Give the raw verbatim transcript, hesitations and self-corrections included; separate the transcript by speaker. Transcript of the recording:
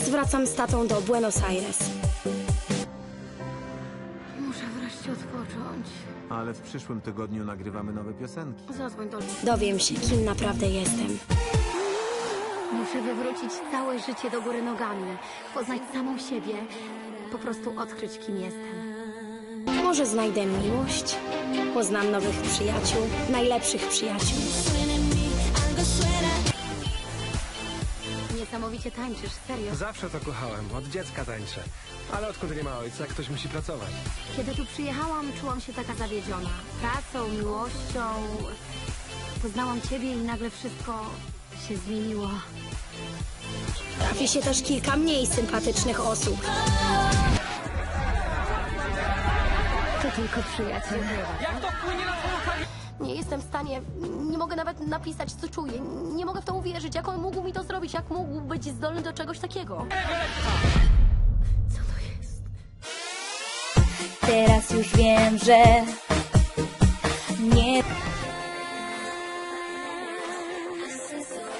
Speaker 1: Teraz wracam z tatą do Buenos Aires.
Speaker 2: Muszę wreszcie odpocząć.
Speaker 3: Ale w przyszłym tygodniu nagrywamy nowe piosenki.
Speaker 2: Zadzwoń do...
Speaker 1: Dowiem się, kim naprawdę jestem.
Speaker 2: Muszę wywrócić całe życie do góry nogami. Poznać samą siebie. Po prostu odkryć, kim jestem.
Speaker 1: Może znajdę miłość, poznam nowych przyjaciół, najlepszych przyjaciół.
Speaker 2: Niesamowicie tańczysz, serio.
Speaker 4: Zawsze to kochałem, od dziecka tańczę. Ale odkąd nie ma ojca, ktoś musi pracować.
Speaker 2: Kiedy tu przyjechałam, czułam się taka zawiedziona. Pracą, miłością. Poznałam ciebie i nagle wszystko się zmieniło.
Speaker 1: Trafi się też kilka mniej sympatycznych osób.
Speaker 2: To tylko przyjaciel. Jak to wpłynie na twoją karierę? Nie jestem w stanie, nie mogę nawet napisać, co czuję. Nie mogę w to uwierzyć. Jak on mógł mi to zrobić? Jak mógł być zdolny do czegoś takiego? Co to jest?
Speaker 5: Teraz już wiem, że